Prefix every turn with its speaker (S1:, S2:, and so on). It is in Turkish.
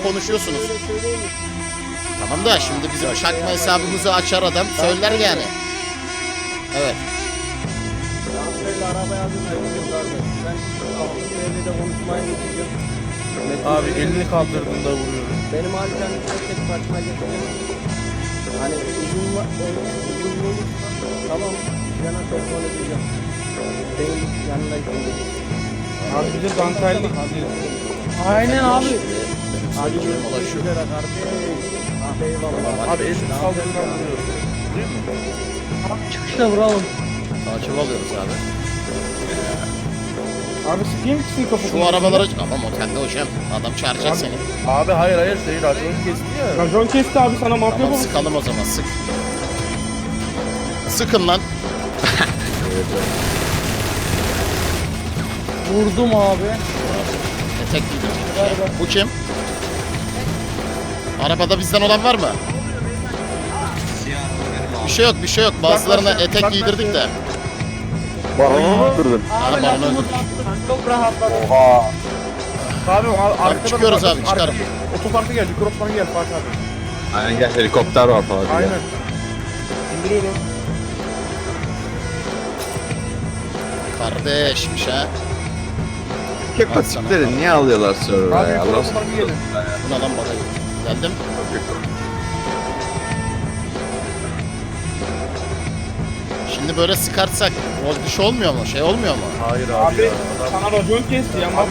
S1: konuşuyorsunuz. Tamam da şimdi bizim şakma hesabımızı açar adam söyler yani. Evet.
S2: Abi elini kaldırdığında vuruyorum.
S3: Benim alternatifle tek başıma geçeceğim. Hani uzun olur. Tamam. Yana telefon edeceğim. Benim yanına gideceğim.
S2: Abi bize dantellik.
S4: Aynen abi.
S3: Hadi görüşmek üzere kardeş. Ah eyvallah.
S2: Abi elini kaldırdığında vuruyorum. Değil mi?
S4: Çıkışta vuralım.
S1: Takip alıyoruz abi.
S2: Abi sıkayım mısın kafasını?
S1: Şu arabaları... Ama motelde hocam. Adam çağıracak
S2: Abi,
S1: seni.
S2: Abi hayır şey raconu kesti ya. Racon kesti abi sana mafya
S1: Tamam
S2: babası.
S1: sıkalım o zaman sık. Sıkın lan.
S4: Vurdum abi.
S1: Etek giydim. Bu kim? Arabada bizden olan var mı? Bir şey yok. Bazılarına etek giydirdik de.
S5: Baronu attırdın.
S1: Abi baronu öldürdük.
S4: Çok rahatladım.
S5: Oha.
S2: Abi arkada
S1: çıkıyoruz
S2: bak,
S1: abi, çıkarım.
S2: Otoparka gel, Mikropman'a gel Fatih abi.
S5: Aynen gel helikopter var falan.
S2: Aynen. İndiriyorum.
S1: Kardeşmiş ha.
S5: Kek patikleri niye alıyorlar server'a
S2: Abi
S5: ya?
S2: yukarı
S5: Allah
S2: otoparka gelin.
S1: Bu ne lan bana? Geldim. Şimdi böyle sıkarsak rol dışı olmuyor mu? Şey olmuyor mu?
S2: Hayır abi, ya. Sana racon kesti ya.